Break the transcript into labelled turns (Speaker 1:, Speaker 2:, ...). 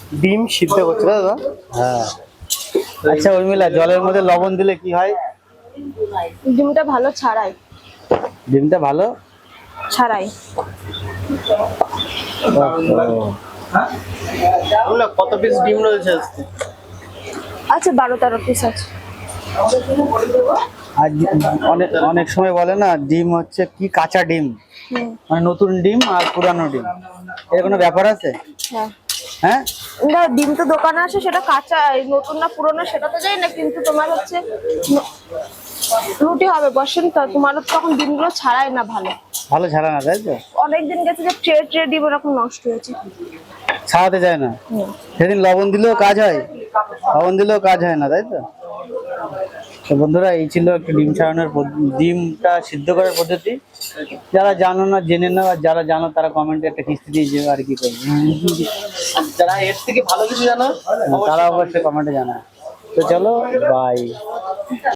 Speaker 1: ডিম সিদ্ধ করছে দাদা?
Speaker 2: হ্যাঁ। আচ্ছা উর্মিলা, জলের মধ্যে লবণ দিলে কি হয়?
Speaker 3: ডিমটা ভালো ছাড়াই।
Speaker 2: ডিমটা ভালো
Speaker 3: ছাড়াই।
Speaker 1: কত পিস ডিম রয়েছে আজকে?
Speaker 3: আচ্ছা 12-13 পিস আছে।
Speaker 2: আর অনেক অনেক সময় বলে না ডিম হচ্ছে কি কাঁচা ডিম,
Speaker 3: হুম।
Speaker 2: মানে নতুন ডিম আর পুরানো ডিম, এর কোনো ব্যাপার আছে?
Speaker 3: হ্যাঁ।
Speaker 2: হ্যাঁ।
Speaker 3: না, ডিম তো দোকানে আসে, সেটা কাঁচা, এই নতুন না পুরনো সেটা তো জানি না, কিন্তু তোমার হচ্ছে রুটি হবে বসেন তো, তোমার তখন ডিমগুলো ছাড়াই না ভালো।
Speaker 2: ভালো ছাড়া না, তাই তো?
Speaker 3: অনেকদিন গেছে যে ট্রে ডিম এরকম নষ্ট হয়েছে।
Speaker 2: ছাড়াতে যায় না। সেদিন লবণ দিলেও কাজ হয়, লবণ দিলেও কাজ হয় না, তাই তো? তো বন্ধুরা, এই ছিল একটি ডিম ছাড়ানোর ডিমটা সিদ্ধ করার পদ্ধতি। যারা জানো না জেনে নাও, আর যারা জানো তারা কমেন্টে একটা কিস্তি দিয়ে যাবে, আর কি করবে।
Speaker 1: যারা এর থেকে ভালো কিছু জানো
Speaker 2: তারা অবশ্যই কমেন্টে জানায়। তো চলো, বাই।